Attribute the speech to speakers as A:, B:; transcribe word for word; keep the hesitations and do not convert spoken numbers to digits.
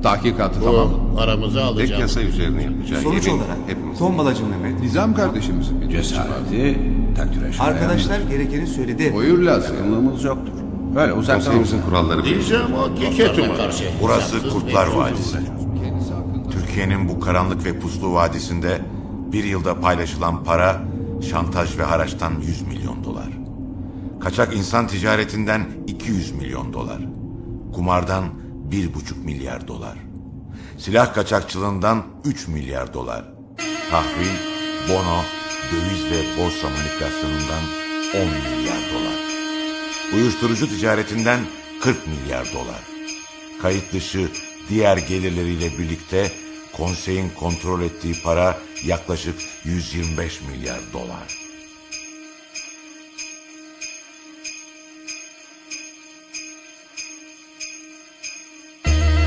A: Tahkikatı
B: Bu
A: tamam.
B: aramıza
C: Tek
B: alacağım.
C: yasa üzerine yapacağı
D: Sonuç
C: yemin
D: olarak
C: hepimiz.
D: tombalacı Mehmet,
A: Nizam kardeşimizin bir
E: Cesareti takdire şayan.
D: arkadaşlar gerekeni söyledi.
A: Buyur lazım.
E: Yakınlığımız yoktur. Böyle uzaktan
C: Konseyimizin kuralları belli.
B: Diyeceğim o keketuma.
F: Burası Kurtlar Vadisi. Türkiye'nin bu karanlık ve puslu vadisinde bir yılda paylaşılan para, şantaj ve haraçtan yüz milyon dolar. Kaçak insan ticaretinden iki yüz milyon dolar. Kumardan bir buçuk milyar dolar. Silah kaçakçılığından üç milyar dolar. Tahvil, bono, döviz ve borsa manipülasyonundan on milyar dolar. Uyuşturucu ticaretinden kırk milyar dolar. Kayıt dışı diğer gelirleriyle birlikte konseyin kontrol ettiği para yaklaşık yüz yirmi beş milyar dolar.